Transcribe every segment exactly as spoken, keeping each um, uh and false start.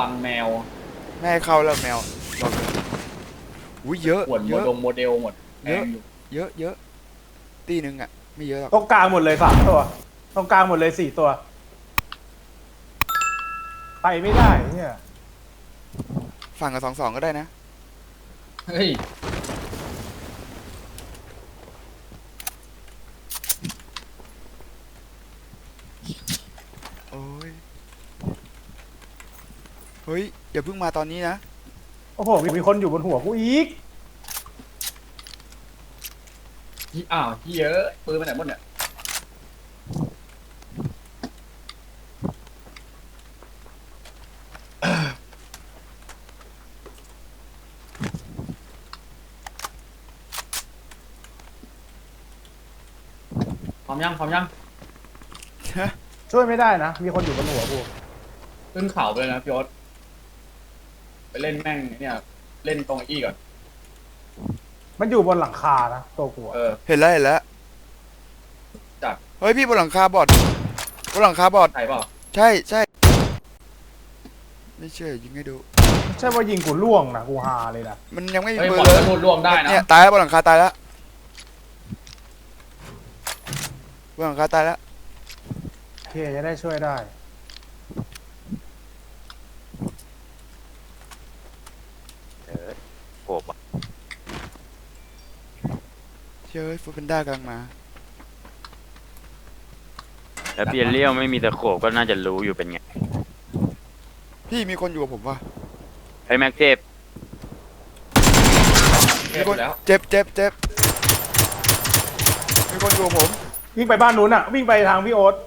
วังแมวไม่ให้เข้าแล้วแมวบอกเลยอุ้ยเยอะขวดโมเยอะดงโมเดลหมดแพเยอะงอยู่เยอะเยอะตีหนึ่งอ่ะไม่เยอะหรอกตรงกลางหมดเลยสามตัวตรงกลางหมดเลยสี่ตัวไปไม่ได้เนี่ยฝั่งกับสองสองก็ได้นะเฮ้ยโอ้ยเฮ้ยอย่าเพิ่งมาตอนนี้นะโอ้โหมีคนอยู่บนหัวกูอีกอ้าวเยอะปืนไปไหนหมดเนี่ยพร้อมยังพร้อมยังช่วยไม่ได้นะมีคนอยู่บนหัวกูขึ้นเขาไปเลยนะพี่โอ๊ตไปเล่นแม่งเนี่ยเล่นตรงไอ้อี้ก่อนมันอยู่บนหลังคานะตัวกูอะเออเห็นแล้วเห็นแล้วจัดเฮ้ยพี่บนหลังคาบอดบนหลังคาบอดใช่เปล่าใช่ใช่ไม่เชื่อยิงให้ดูใช่ว่ายิงกูล่วงนะกูฮาเลยนะมันยังไม่มีเฮ้ยปืบนอลเลกยระโดดรวมได้นะเนี่ยตายแล้วบนหลังคาตายแล้วบนหลังคาตายแล้วโอเคจะได้ช่วยได้เออโผล่เชื่อฟูเป็นด้ากำลังมาแล้วเปียเลี้ยวไม่มีตะโขบก็น่าจะรู้อยู่เป็นไงพี่มีคนอยู่กับผมวะไอ้แม็กเทพเทมีพคนแล้วเจ็บเจ็บเจ็บมีคนอยู่กับผมวิ่งไปบ้านนู้นอ่ะวิ่งไปทางพี่โอ๊ต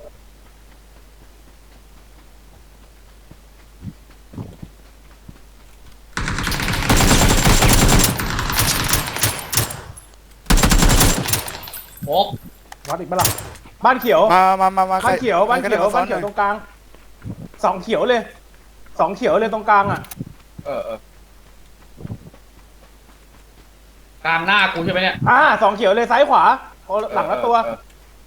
โอ๊กวัดอีกปะล่ะบ้านเขียวมามามามาใครบ้านเขียวบ้านใครเขียวก็ได้มบ้านเขียวตรงกลางสองเขียวเลยสองเขียวเลยตรงกลางอ่ะเออเออ กลางหน้ากูใช่ไหมเนี่ยอ่าสองเขียวเลยซ้ายขวาโอ้หลังละตัวเออ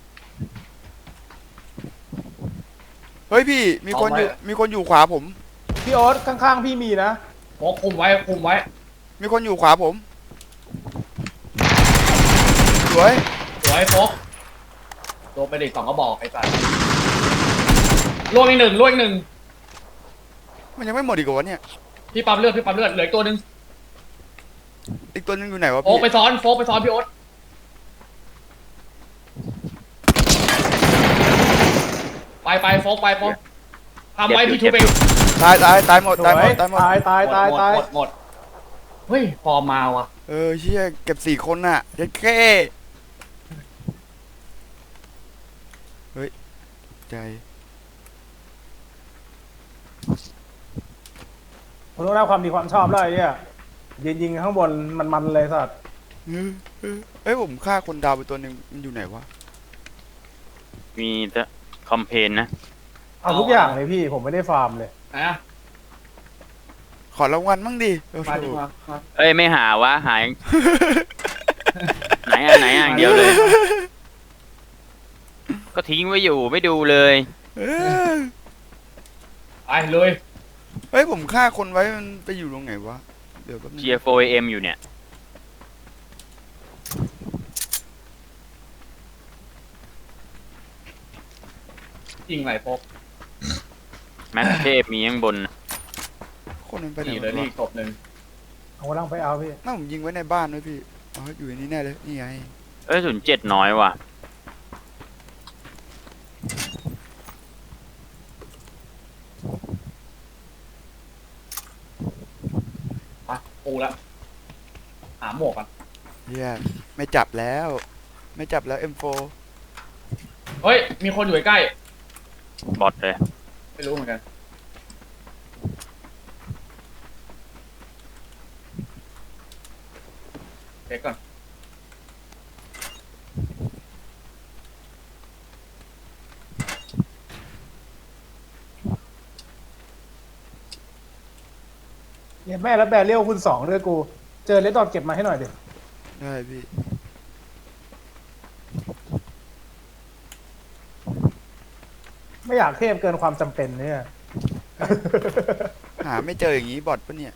เฮ้ยพี่มีคนอยู่เอาไว้มีคนอยู่ขวาผมพี่โอ๊ตข้างๆพี่มีนะโอ๊กคุมไว้คุมไว้มีคนอยู่ขวาผมสวยสวยโฟกโดนไปดิสองก็บอกไอ้สัสล่วงอีกหนึ่งล่วงอีกหนึ่งมันยังไม่หมดอีกเหรอวะเนี่ยพี่ปั๊มเลือดพี่ปั๊มเลือดเหลืออีกตัวหนึ่งอีกตัวนึงอยู่ไหนวะโอ๊กพี่ไปซ้อนโฟกไปซ้อนพี่โอ๊ตไปไปโฟกไปโฟกทำไว้พี่ทูเบลตายตายตายหมดสตายหวมยดตายหมดตายตายตายหมดตายหมดหมดเฮ้ยฟอร์มมาว่ะเออเชี่ยเก็บสี่คนน่ะเด็ดแค่เฮ้ยใจผมต้องได้ความดีความชอบแล้วไอ้เนี่ยยิงยิงข้างบนมันๆเลยสัตว์เออเออเอ้ยผมฆ่าคนดาวไปตัวหนึ่งมันอยู่ไหนวะมีแต่คอมเพนนะเอาทุกอย่างเลยพี่ผมไม่ได้ฟาร์มเลยไหนอะขอรางวัลมั่งดิโอ้โหมาดิมามาเอ้ยไม่หาวะหาย ไหนอ่ะไหนอ่ะอย่างเดียวเลย ก็ทิ้งไว้อยู่ไม่ดูเลยเออไปเลยเฮ้ยผมฆ่าคนไว้มันไปอยู่ตรงไหนวะเดี๋ยวแป๊บนึงเจียโฟเอ็มอยู่เนี่ยยิงไหลโฟกแม็กเทพมีข้างบนคนมันไปไหนนี่เลยวะนี่อีกศพหนึ่งเอากำลังไปเอาพี่น่าผมยิงไว้ในบ้านด้วยพี่อ๋ออยู่ในนี้แน่เลยนี่ไงเอ้ยศูนย์เจ็ดน้อยว่ะไปปูละหาหมวกกันเฮียไม่จับแล้ว ไม่จับแล้ว เอ็ม โฟร์เฮ้ยมีคนอยู่ใกล้บอทเลยๆไม่รู้เหมือนกันเช็คก่อนเนี่ยแม่แล้วแบรเรียลคุณสองด้วยกู เจอเลดดอทเก็บมาให้หน่อยดิได้พี่ไม่อยากเทพเกินความจำเป็นเนี่ยหหาไม่เจออย่างนี้บอทปะเนี่ย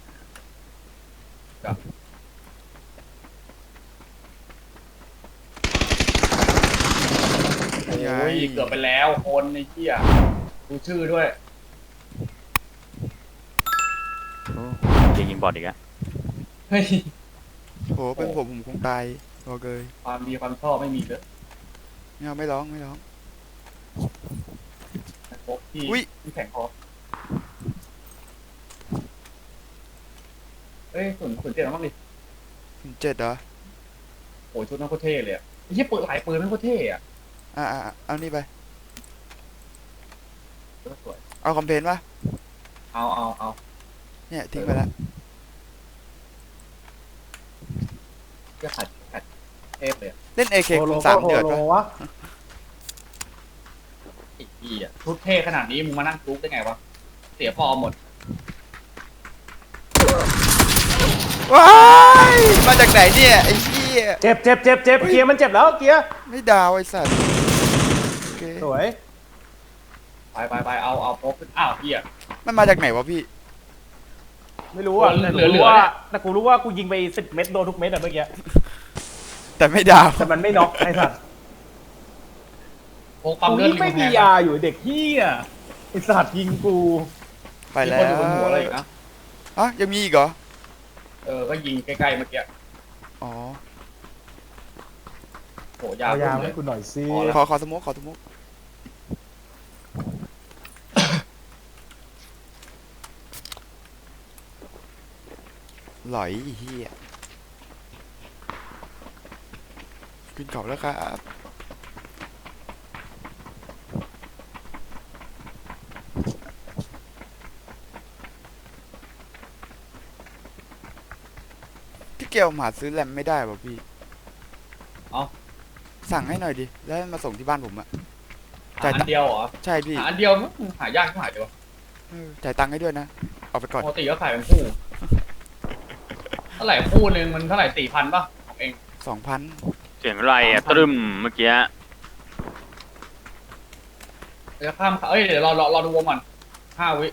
โอ้ยเกือบไปแล้วคนในเที่ยดูชื่อด้วยโอ้จะยิงบอดอีกอะเฮ้ยโหเป็นผมผมคงตายบอกเลยความดีความชอบไม่มีเลยไม่เอาไม่ร้องไม่ร้องพวกที่อุ๊ยที่แข่งคอเอ้ยสุนสุนเจ็ดแล้วมั้งดิเจ็ดเหรอโอ้ยชุดนั่งโคตรเท่เลยอ่ะไอ้เหี้ยเปิดหลายปืนนั่งโคตรเท่อะอ่าอ่าเอานี่ไปสวยเอาคอมเพลนปะเอาเอาเอาเนี่ยทิ้งไปละเพื่อขัดขัดเทพเลยอะเล่น เอ เคโฮคูโลณก็สามโฮเดือดโลปะวะไอ้พี่อ่ะชุดเท่ขนาดนี้มึงมานั่งจุกได้ไงวะเสียฟอร์มหมดว้ายมาจากไหนเนี่ยไอ้เหี้ยเจ็บเจ็บเจ็บเจ็บเกียร์มันเจ็บแล้วเกียร์ไม่ดาวไอ้สัตว์โอเคสวยไปไปไปเอาเอาพกขึ้นอ้าวพี่อ่ะมันมาจากไหนวะพี่ไม่รู้อ่ะเหลืแต่อกูเหลืรู้อว่าเนี่ยแต่กูรู้ว่ากูยิงไปสิบเม็ดโดนทุกเม็ดอะเมื่อกี้แต่ไม่ดาวแต่มันไม่น็อกไอ้สัตว์พกปั๊มกูเลือดยิ่งไม่มีริกำแพงยาอยู่เด็กเฮียไอ้สัตว์ยิงกูไปมีแล้คนวอยู่บนหัวอะไรอีกนะอ่ะยังมีอีกเหรอเออก็ยิงใกล้ๆเมื่อกี้อ๋อโหยาเอายาขึ้นเลให้ยกูหน่อยสิพอแล้วขอขอสโมกขอสโมกหลอยไอ้เฮียขึ้นเขาแล้วครับพี่เกลหาซื้อแรมไม่ได้ป่ะพี่เอาสั่งให้หน่อยดิ แล้วให้มาส่งที่บ้านผมอะหาอันเดียวเหรอใช่พี่หาอันเดียวมึงหายากที่หายเดียวเออจ่ายตังค์ให้ด้วยนะ เอาไปก่อนปกติก็ขายเป็นคู่เท่าไหร่คู่หนึ่งมันเท่าไหร่สี่พันป่ะของเองสองพันเสียงอะไรอะตรึมเมื่อกี้เดี๋ยวข้ามเอ้ยเดี๋ยวรอรอรอดูวงก่อนห้าวิ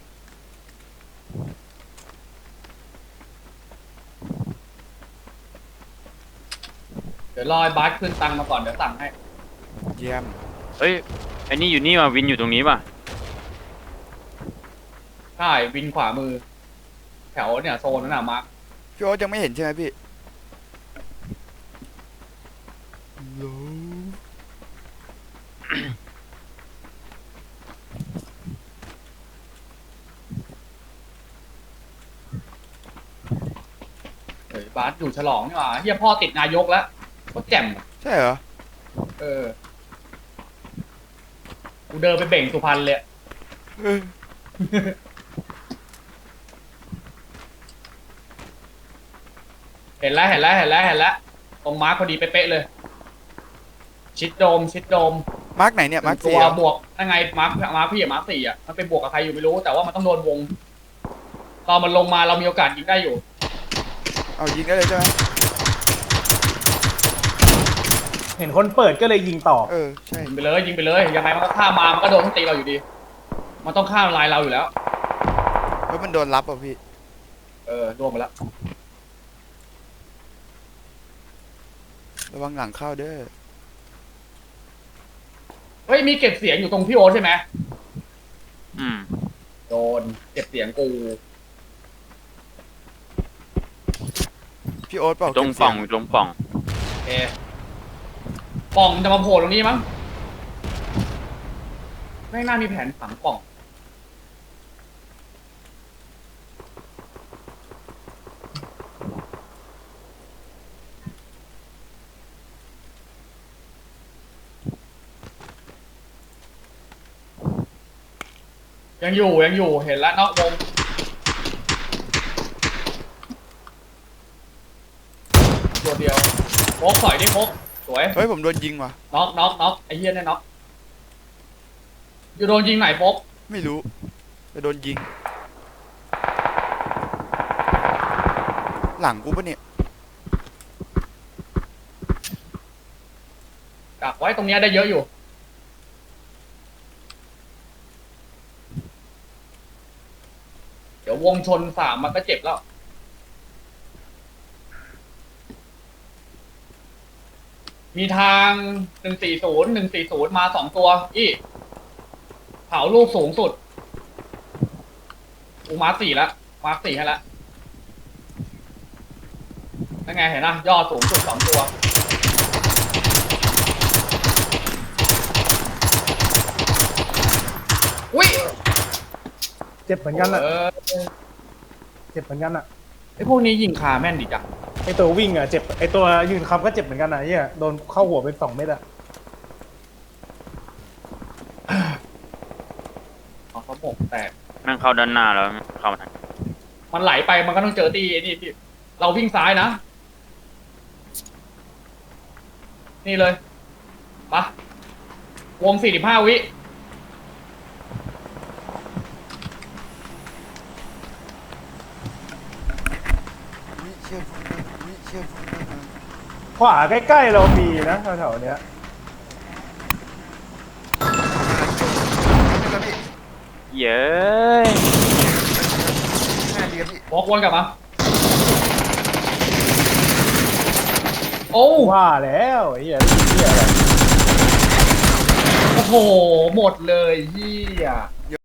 เดี๋ยวรอไอ้บาสขึ้นตังค์มาก่อนเดี๋ยวสั่งให้เยี่ยมเฮ้ยไอ้นี่อยู่นี่ว่ะวินอยู่ตรงนี้ป่ะใช่วินขวามือ แถวเนี่ยโซนนั้นน่ะมาร์คพี่โอ๊ตยังไม่เห็นใช่ไหมพี่เฮ้ยบาสอยู่ฉลองนี่หว่าเฮียพ่อติดนายกแล้วก็แจ่มใช่เหรอเออกูเดินไปเบ่งสุพรรณเลยเออเห็นแล้วเห็นแล้วเห็นแล้วเห็นแล้วตรงมาร์คพอดีเป๊ะๆเลย ชิดโดมชิดโดมมาร์กไหนเนี่ย มาร์กตัสี่วเหรอบวกยังไงมาร์คมาร์คพี่อะมาร์คสี่อะมันเป็นบวกกับใครอยู่ไม่รู้แต่ว่ามันต้องโดนวงตอนมันลงมาเรามีโอกาสยิงได้อยู่เอายิงได้เลยใช่ไหมเห็นคนเปิดก็เลยยิงต่อเออ ใช่ยิงไปเลยยิงไปเลยยังไงมันก็ข้ามมามันก็โดนทั้งตีเราอยู่ดี มันต้องข้ามลายเราอยู่แล้วแล้วมันโดนรับอ่ะพี่เออรวมไปแล้วระวังหลังเข้าเด้อเฮ้ยมีเก็บเสียงอยู่ตรงพี่โอ๊ตใช่ไหมอืมโดนเก็บเสียงกูพี่โอ๊ตเปล่าตรงเก็บป่เสีอย งตรงป่องเอป่องจะมาโผล่ตรงนี้มั้งไม่น่ามีแผนฝังป่องยังอยู่ยังอยู่เห็นแล้วนอกวงตัวเดียวโคกสอยดิโคกสวยเฮ้ยผมโดนยิงว่ะน็อกน็อกน็อกไอ้เหี้ยเนี่ยน็อกอยู่โดนยิงไหนโป๊กไม่รู้จะโดนยิง หลังกูปะเนี่ยกักไว้ตรงเนี้ยได้เยอะอยู่เดี๋ยววงชนสามมันก็เจ็บแล้ว มีทางหนึ่งสี่ศูนย์หนึ่งสี่ศูนย์มาสองตัวอีเผาลูกสูงสุดอูมาร์คสี่แล้วมาร์คสี่ให้แล้วนั่นไงเห็นนะยอดสูงสุดสองตัวอุ้ยเจ็บเหมือนกันอ่ะเออเจ็บเหมือนกันอ่ะไอพวกนี้ยิงคาแม่นดิจ้ะไอตัววิ่งอ่ะเจ็บไอตัวยืนคำก็เจ็บเหมือนกันอ่ะเฮียโดนเข้าหัวไปสองเม็ดอ่ะอ๋อเขาหมกแตกแม่งเข้าด้านหน้าแล้วเข้ามาทางมันไหลไปมันก็ต้องเจอตีไอ้นี่พี่เราวิ่งซ้ายนะ นี่เลยปะวงสี่สิบห้าวิวิเชี่ยวิเชี่ยขวาใกล้ๆเรามีนะแถวๆเนี้ยเย้ยแม่ดีครับพี่บอกวนกลับมา โอ้ว่าแล้วไอ้เฮียเฮียอะไรโอ้โห หมดเลยเฮีย